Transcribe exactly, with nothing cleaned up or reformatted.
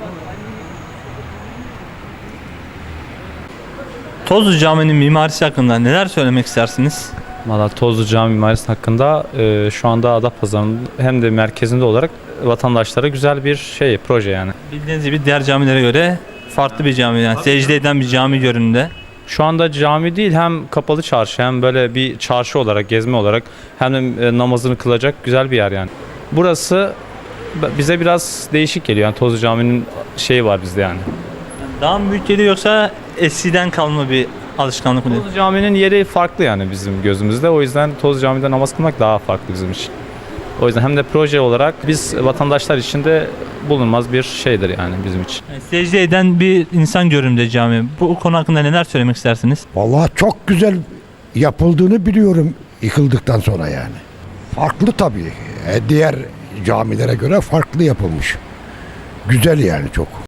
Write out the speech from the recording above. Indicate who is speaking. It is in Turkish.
Speaker 1: Tozlu Cami'nin mimarisi hakkında neler söylemek istersiniz?
Speaker 2: Valla Tozlu Cami mimarisi hakkında e, şu anda Adapazarı'nın hem de merkezinde olarak vatandaşlara güzel bir şey, proje yani.
Speaker 1: Bildiğiniz gibi diğer camilere göre farklı bir cami, yani secde eden bir cami görünümde.
Speaker 2: Şu anda cami değil, hem kapalı çarşı hem böyle bir çarşı olarak, gezme olarak, hem de e, namazını kılacak güzel bir yer yani. Burası bize biraz değişik geliyor. Yani Tozlu Cami'nin şeyi var bizde yani.
Speaker 1: Daha mı büyük geliyor yoksa eskiden kalma bir alışkanlık mı?
Speaker 2: Tozlu Cami'nin yeri farklı yani bizim gözümüzde. O yüzden Tozlu Cami'de namaz kılmak daha farklı bizim için. O yüzden hem de proje olarak biz vatandaşlar için de bulunmaz bir şeydir yani bizim için.
Speaker 1: Yani secde eden bir insan görünümde cami. Bu konu hakkında neler söylemek istersiniz?
Speaker 3: Vallahi çok güzel yapıldığını biliyorum yıkıldıktan sonra yani. Farklı tabii. E, diğer camilere göre farklı yapılmış. Güzel yani çok.